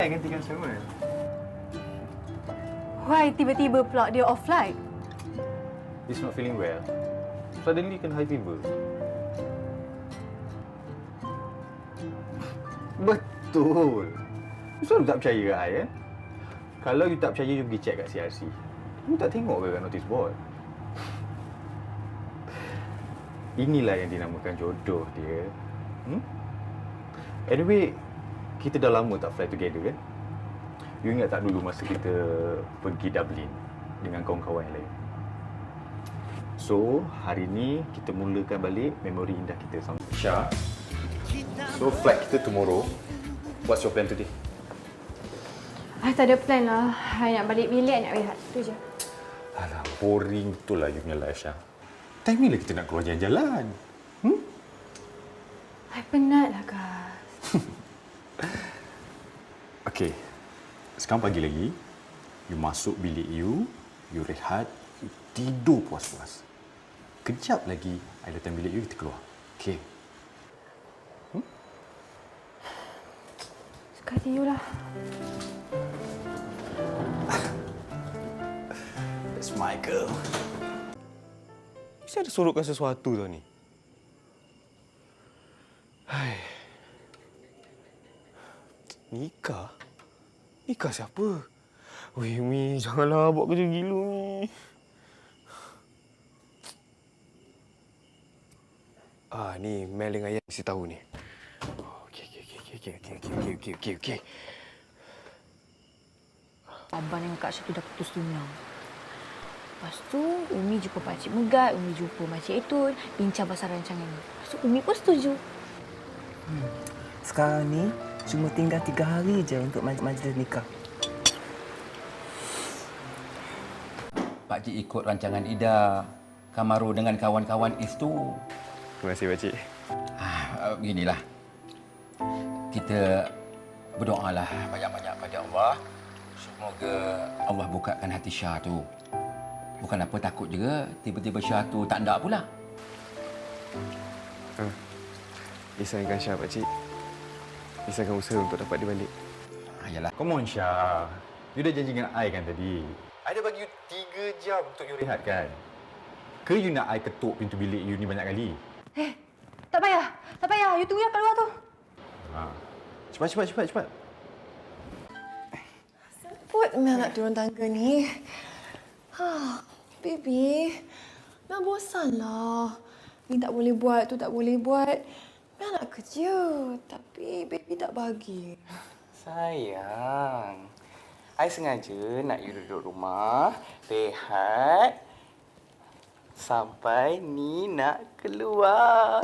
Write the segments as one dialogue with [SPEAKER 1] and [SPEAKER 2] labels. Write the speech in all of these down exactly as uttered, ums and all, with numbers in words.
[SPEAKER 1] I gantikan Samuel.
[SPEAKER 2] Why tiba-tiba pula dia off flight?
[SPEAKER 1] He's not feeling well. Suddenly kena high fever. Betul. You selalu tak percaya kat I, kan? Kalau you tak percaya, you pergi check kat C R C. You tak tengok ke kat notice board? Inilah yang dinamakan jodoh dia. Hmm? Anyway, kita dah lama tak fly together, kan? You ingat tak dulu masa kita pergi Dublin dengan kawan-kawan yang lain? So, hari ni kita mulakan balik memori indah kita sama Syah. So, flight kita tomorrow. What's your plan today?
[SPEAKER 2] I tak ada plan lah. I nak balik bilik, I nak rehat. Itu je.
[SPEAKER 1] Alah, boring betul lah you punya life, Syah. Time ni lah kita nak keluar jalan-jalan. Hmm?
[SPEAKER 2] I penat lah, Gas.
[SPEAKER 1] Okey. Sekarang pagi lagi, you masuk bilik you, you rehat, you tidur puas-puas. Kejap lagi, I datang bilik you, kita keluar. Okey. Hmm?
[SPEAKER 2] Suka hati you lah.
[SPEAKER 1] That's my girl.
[SPEAKER 3] Mesti ada sorokkan sesuatu tau ni. Hai. Nikah? Nikah siapa? Weh, Mi, janganlah buat kerja gila, Mi. Ah, ni Mel dengan Ayah mesti tahu ni. Okey, okey, okey, okey, okey, okey, okey, okey, okey, okey.
[SPEAKER 4] Abang dengan Kak Syah tu dah putus tunang. Lepas tu, Umi jumpa Pakcik Megat, Umi jumpa Makcik Etun, bincang pasal rancangan ni. Lepas tu, Umi pun setuju.
[SPEAKER 5] Hmm. Sekarang ni, cuma tinggal tiga hari je untuk maj majlis nikah.
[SPEAKER 6] Pakcik ikut rancangan Ida, Kamaru dengan kawan-kawan itu.
[SPEAKER 3] Terima kasih, Pakcik.
[SPEAKER 6] Ah, beginilah. Kita berdoalah banyak-banyak pada Allah. Semoga Allah bukakan hati Syah tu. Bukan apa takut juga tiba-tiba Syah tu tak nak pula.
[SPEAKER 3] Ah, risaukan Syah, Pakcik. Risaukan usaha untuk dapat dia balik.
[SPEAKER 6] Ah, yalah.
[SPEAKER 1] Come on, Syah. You dah janji dengan I kan tadi? I dah bagi you tiga jam untuk you rehat, kan? Ke you nak I ketuk pintu bilik you ni banyak kali?
[SPEAKER 2] Eh, tak payah. Tak payah. You tunggu yang kat luar tu.
[SPEAKER 1] Ha. Cepat, cepat, cepat, cepat.
[SPEAKER 7] Semput Mel nak turun tangga ni. Ha, baby. Mel bosanlah. Ni tak boleh buat, tu tak boleh buat. Mel nak kerja, tapi baby tak bagi.
[SPEAKER 8] Sayang, I sengaja nak you duduk rumah, rehat, sampai ni nak keluar.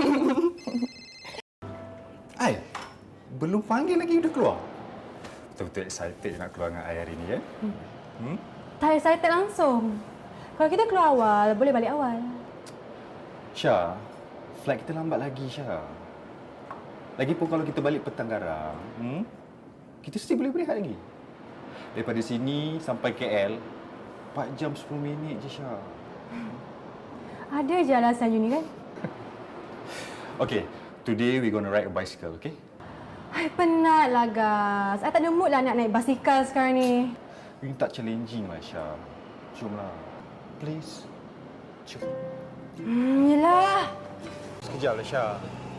[SPEAKER 1] I, belum panggil lagi you dah keluar? Betul-betul excited nak keluar dengan I hari ni, ya? Hmm? hmm?
[SPEAKER 2] Tak excited langsung. Kalau kita keluar awal, boleh balik awal.
[SPEAKER 1] Syah, flight kita lambat lagi, Syah. Lagipun kalau kita balik petang garang, hmm? kita mesti boleh berehat lagi. Daripada sini sampai K L, empat jam sepuluh minit je, Syah.
[SPEAKER 2] Ada je alasan you ni, kan?
[SPEAKER 1] Okay, today we gonna ride a bicycle, okay?
[SPEAKER 2] I penat lah, Gas. I tak ada mood lah nak naik basikal sekarang ni.
[SPEAKER 1] You tak challenging lah, Syah. Jomlah. Please. Jom.
[SPEAKER 2] Hmm, yelah.
[SPEAKER 3] Sekejap lah, Syah.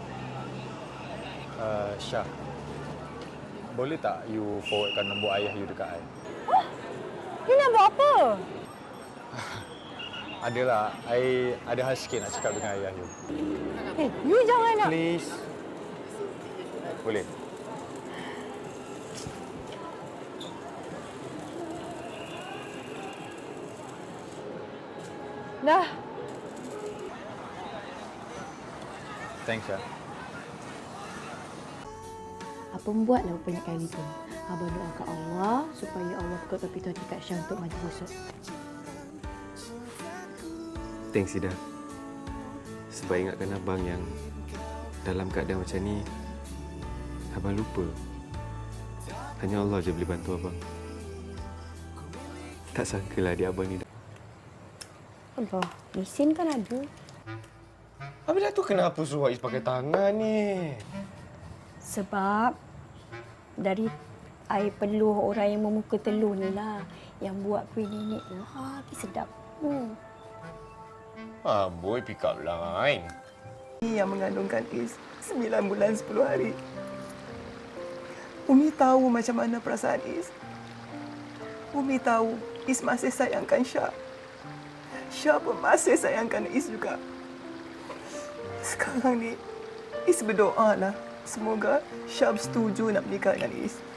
[SPEAKER 3] Uh, Syah. Boleh tak you forwardkan nombor ayah you dekat I?
[SPEAKER 2] Huh? You nak buat apa?
[SPEAKER 3] Adalah, I ada hal sikit nak cakap dengan ayah you.
[SPEAKER 2] Eh, you jangan nak...
[SPEAKER 3] Please. Boleh?
[SPEAKER 2] Dah.
[SPEAKER 3] Thanks, Syah.
[SPEAKER 4] Abang buatlah banyak kali tu. Abang doa kat Allah supaya Allah bukakan pintu hati Kak Syah untuk maju besok.
[SPEAKER 3] Thanks, Ida. Sebab ingatkan abang yang dalam keadaan macam ni, abang lupa. Hanya Allah je boleh bantu abang. Tak sangkalah adik abang ni dah.
[SPEAKER 4] Allah, mesin kan ada.
[SPEAKER 3] Habis dah tu kenapa suruh Ais pakai tangan ni?
[SPEAKER 4] Sebab dari I perlu orang yang memuka telur ni lah. Yang buat kuih nenek tu. Ha, sedap. Hmm.
[SPEAKER 9] Amboi, pick up line.
[SPEAKER 5] Umi yang mengandungkan Is sembilan bulan sepuluh hari. Umi tahu macam mana perasaan Is. Umi tahu Is masih sayangkan Syah. Syah pun masih sayangkan Is juga. Sekarang ni, Is berdoa lah. Semoga Syah setuju nak menikah dengan Is.